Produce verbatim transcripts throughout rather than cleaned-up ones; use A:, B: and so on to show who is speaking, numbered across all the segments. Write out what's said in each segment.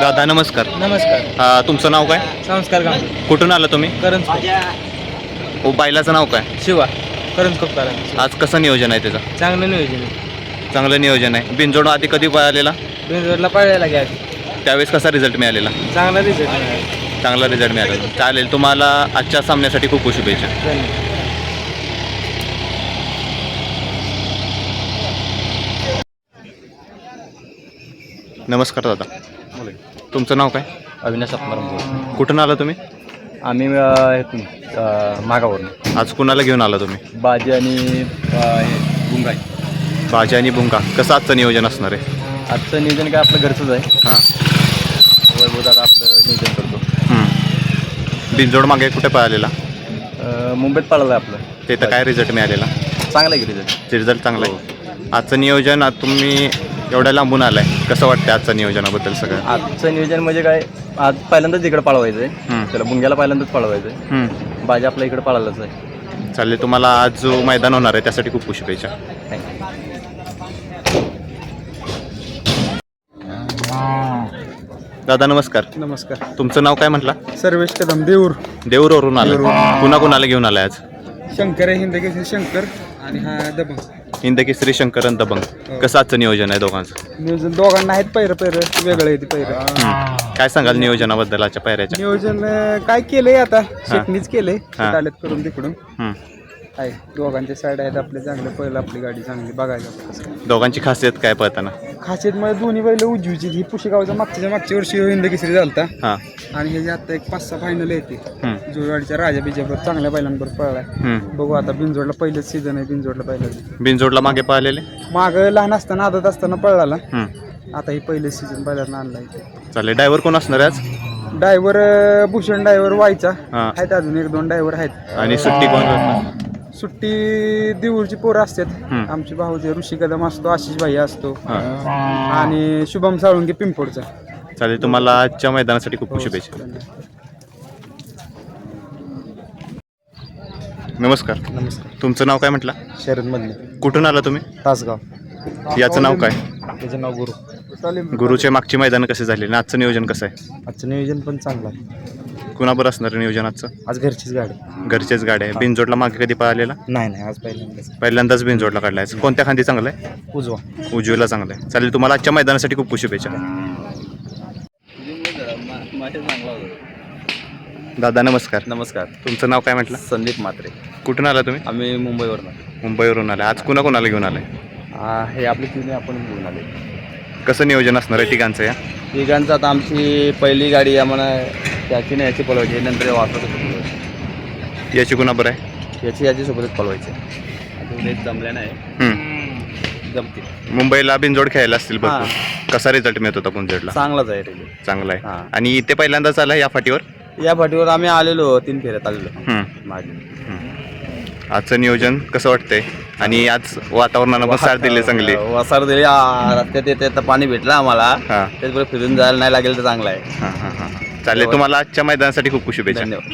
A: दादा नमस्कार.
B: नमस्कार.
A: अ, तुमचं नाव काय?
B: संस्कार गाव
A: कुठून आलं तुम्ही?
B: करंज
A: ओ बैलाचं नाव काय?
B: शिवा करंज कोपकारा.
A: आज कसं नियोजन आहे त्याचं?
B: चांगलं नियोजन आहे.
A: चांगलं नियोजन आहे. बिनजोड आधी कधी पळालेला?
B: बिनजोडला पाळायला घ्या.
A: त्यावेळेस कसा रिझल्ट मिळालेला?
B: चांगला रिझल्ट मिळाला.
A: चांगला रिझल्ट मिळालेला. चालेल, तुम्हाला आजच्या सामन्यासाठी खूप खूप शुभेच्छा.
B: धन्यवाद.
A: नमस्कार दादा. तुमचं नाव काय?
C: अविनाश आत्माराम.
A: कुठून आला तुम्ही?
C: आम्ही इथून मागावरून.
A: आज कुणाला घेऊन आला तुम्ही?
C: बाजी आणि गुंगाई.
A: बाजी आणि बुंगा. कसं आजचं नियोजन असणार आहे?
C: आजचं नियोजन काय आपलं घरचंच आहे.
A: हां.
C: वैभव दादा आपलं नियोजन करतो.
A: बिनजोड मागे कुठे पळालेला?
C: अं, मुंबईत पळालं आहे आपलं.
A: तिथं काय रिझल्ट मिळालेला?
C: चांगला आहे की रिझल्ट.
A: रिझल्ट चांगला आहे. आजचं नियोजन आज तुम्ही एवढ्या लांबून आलाय, कसं वाटतं आजचं नियोजनाबद्दल सगळं?
C: आजचं नियोजन म्हणजे काय, आज पहिल्यांदाच इकडे पळवायचं आहे.
A: हं.
C: त्याला बुंग्याला पहिल्यांदाच पळवायचं आहे.
A: हं.
C: बाजी आपल्या इकडे पळालाच आहे.
A: चालेल, तुम्हाला आज जो मैदान होणार आहे त्यासाठी खूप खूप शुभेच्छा.
C: थँक्यू.
A: दादा नमस्कार.
B: नमस्कार.
A: तुमचं नाव काय म्हटलं?
B: सर्वेश कदम देऊर.
A: देऊरवरून आलं. कुणा कुणाला घेऊन आलाय आज?
B: शंकर आहे हिंदकेसरी शंकर आणि हा दबंग.
A: हिंदकेसरी शंकर आणि दबंग. कसं आजचं नियोजन आहे दोघांचं?
B: नियोजन दोघांना आहेत पैर पैर वेगळं आहे ते पैर.
A: हं. काय सांगाल नियोजनाबद्दल आजच्या पायऱ्याच्या?
B: नियोजन अं, काय केलंय आता शेटणीच केलंय.
A: हा.
B: आलेत करून तिकडून
A: हं.
B: आहे. दोघांचे साईड आहेत आपले चांगले. पहिलं आपली गाडी चांगली बघायला कसं काय.
A: दोघांची खासियत काय पळताना?
B: खासियत मध्ये दोन्ही बैल उजवीची. ही पुशेगावचा मागच्या मागच्या वर्षी हिंदकेसरी झालता
A: हां.
B: आणि हे जे आता एक पाच सहा फायनल येते.
A: हं.
B: जुळवाडीच्या राजा बिजाबरोबर चांगल्या बैलांबरोबर पळलाय.
A: हं.
B: बघू आता बिनजोडला पहिलेच सीझन आहे. बिनजोडला पहिला
A: बिनजोडला मागे पळालेले?
B: माग लहान असताना आदत असताना पळाला.
A: हं.
B: आता ही पहिले सीझन पहिल्यांदा आणलाय.
A: चालेल, ड्रायव्हर कोण असणार आहे आज?
B: ड्रायव्हर भूषण ड्रायव्हर व्हायचा
A: हां.
B: आहेत. अजून एक दोन ड्रायव्हर आहेत.
A: आणि सुट्टी कोण करणार?
B: सुट्टी देऊरची पोरं असतात.
A: हं.
B: आमचे भाऊचे ऋषी कदम असतो, आशिष भाई असतो
A: हां.
B: आणि शुभम साळुंके पिंपोडचा.
A: चालेल, तुम्हाला आजच्या मैदानासाठी खूप खूप शुभेच्छा. नमस्कार.
B: नमस्कार.
A: तुमचं नाव काय म्हटलं?
B: शरद मधले
A: कुठून आला तुम्ही?
B: तासगाव.
A: याचं नाव काय?
B: त्याचं नाव गुरु.
A: गुरुचे मागची मैदान कसे झाले आणि आजचं नियोजन कसं आहे?
B: आजचं नियोजन पण चांगलं आहे.
A: कुणाबरोबर असणार आहे नियोजन आजचं?
B: आज घरचीच गाडी.
A: घरचेच गाड्या आहे. बिनजोडला मागे कधी पळालेला?
B: नाही नाही आज पहिल्यांदाच.
A: पहिल्यांदाच बिनजोडला काढलाय. कोणत्या खांदी चांगलं आहे?
B: उजवा.
A: उजवीला चांगलं आहे. चालेल, तुम्हाला आजच्या मैदानासाठी खूप खूप शुभेच्छा. दादा नमस्कार.
C: नमस्कार.
A: तुमचं नाव काय म्हटलं?
C: संदीप म्हात्रे.
A: कुठून आला तुम्ही?
C: आम्ही मुंबईवरून.
A: मुंबईवरून आला. आज कुणा कोणाला घेऊन आलाय?
C: हे आपली तिने आपण घेऊन आले.
A: कसं नियोजन असणार आहे तिघांचं या?
C: तिघांचं आता आमची पहिली गाडी आम्हाला त्याची नाही याची पळवायची. नंतर वासर
A: याची कुणाबरोबर आहे?
C: याची याची सोबतच पळवायची. आता जमल्या नाही.
A: हं.
C: जमतील.
A: मुंबईला बिनजोड खेळायला असतील भरपूर. कसा रिझल्ट मिळत होता बिनजोडला?
C: चांगलाच आहे रिझल्ट.
A: चांगला आहे.
C: हां.
A: आणि इथे पहिल्यांदाच आला या फाटीवर?
C: या फाटीवर आम्ही आलेलो तीन फेऱ्यात आलेलो
A: हं.
C: मागे.
A: हं. आजचं नियोजन कसं वाटतंय? आणि आज वातावरणानं पण साथ दिली चांगली.
C: वसार दिली. आ, रस्त्यात येते तर पाणी भेटलं आम्हाला.
A: हां.
C: त्याचबरोबर फिरून जायला नाही लागेल तर चांगलं आहे.
A: हां हां हां. चालेल, तुम्हाला आजच्या मैदानासाठी खूप खूप शुभेच्छा.
C: धन्यवाद.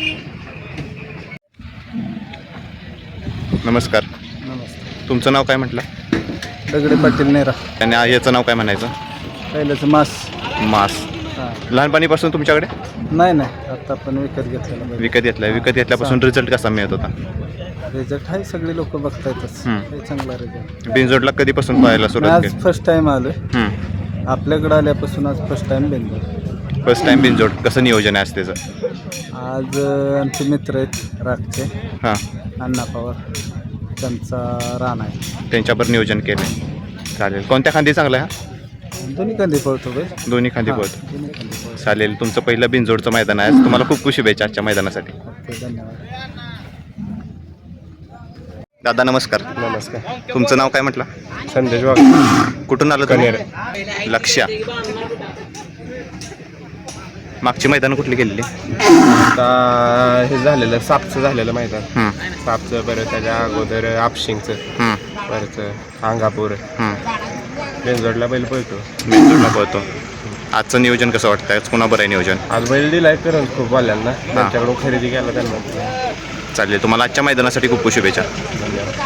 A: नमस्कार.
B: नमस्ते.
A: तुमचं नाव काय म्हटलं?
B: दगडे पाटील नेरा.
A: आणि याचं नाव काय म्हणायचं?
B: पहिल्याच मास.
A: मास.
B: हां.
A: लहानपणीपासून तुमच्याकडे?
B: नाही नाही आता आपण विकत घेतलेला बैल.
A: विकत घेतलाय. विकत घेतल्यापासून रिझल्ट कसा मिळत होता?
B: रिझल्ट आहे. सगळे लोक बघतायतच.
A: हं.
B: हे चांगला रिझल्ट.
A: बिनजोडला कधीपासून पाहायला सुरुवात
B: आज फर्स्ट टाइम आलोय.
A: केली?
B: आपल्याकडे आल्यापासून आज first time Bendur.
A: First time बिनजोड. कसं नियोजन आहे आज त्याचं?
B: आज अं, आमचे मित्र आहेत रागचे
A: हां.
B: अण्णा पवार. त्यांचा रान आहे.
A: त्यांच्यावर नियोजन केलं. चालेल, कोणत्या खांदी चांगला आहे हा?
B: दोन्ही कंदी पळतो बैल.
A: दोन्ही खांदी
B: हां,
A: पळतो.
B: दोन्ही कंदी पळतो.
A: चालेल, तुमचं पहिलं बिनजोडचं मैदान आहे. तुम्हाला खूप खूप शुभेच्छा आजच्या मैदानासाठी.
B: ओके, धन्यवाद.
A: दादा नमस्कार.
B: नमस्कार.
A: तुमचं नाव काय म्हटलं?
B: संदेश वाघ.
A: कुठून आलं तुम्ही? लक्ष्या. मागची मैदान कुठली गेलेली?
D: आता हे झालेलं सापचं झालेलं मैदान.
A: हं.
D: सापचं बरं त्याच्या अगोदर आपशिंगचं
A: हं.
D: परत अंगापूर
A: हं.
D: बेंजोडला बैल पळतो.
A: बिनजोडला पळतो. आजचं नियोजन कसं वाटतं? आज कुणा बरं आहे नियोजन?
D: आज बैल दिलाय करून खूप वाल्यांना. त्यांच्याकडून खरेदी केला त्यांना.
A: चालेल, तुम्हाला आजच्या मैदानासाठी खूप खूप शुभेच्छा.
D: धन्यवाद.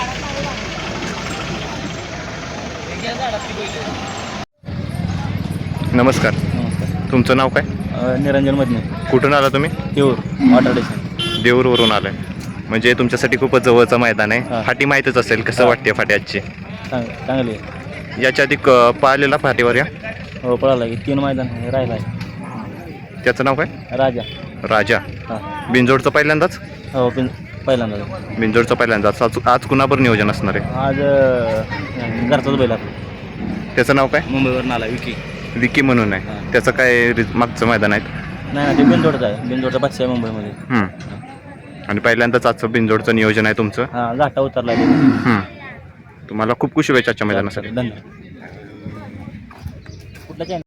A: नमस्कार. तुमचं नाव काय?
C: निरंजन मधने
A: कुठून आला तुम्ही?
C: तेऊर वॉटर स्टेशन.
A: देऊरवरून आलाय म्हणजे तुमच्यासाठी खूपच जवळचं मैदान आहे.
C: हां.
A: फाटी माहीतच असेल, कसं
C: हां.
A: वाटते फाटी आजची?
C: चांग चांगली आहे.
A: याच्या आधी क पाहिलेला फाटीवर या?
C: हो पळाला की तीन मैदान राहिला आहे.
A: त्याचं नाव काय?
C: राजा.
A: राजा.
C: हां.
A: बिनजोडचं पहिल्यांदाच?
C: हो पिन पहिल्यांदा.
A: बिनजोडचं पहिल्यांदाच. आज आज कुणाबर नियोजन असणार आहे?
C: आज अं, घरचाच बैल आपला.
A: त्याचं नाव काय?
C: मुंबईवरून आला विकी.
A: विकी म्हणून आहे.
C: हां.
A: त्याचं काय रि- मागचं मैदान आहे?
C: नाही ना ते बिनजोडचा आहे. बिनजोडचा बादशाह आहे मुंबईमध्ये.
A: हं. आणि पहिल्यांदाच आजचं बिनजोडचं नियोजन आहे तुमचं.
C: हां घाटा उतरला.
A: हं. तुम्हाला खूप खूप शुभेच्छा आजच्या मैदानासाठी.
C: धन्यवाद. कुठला चॅनल?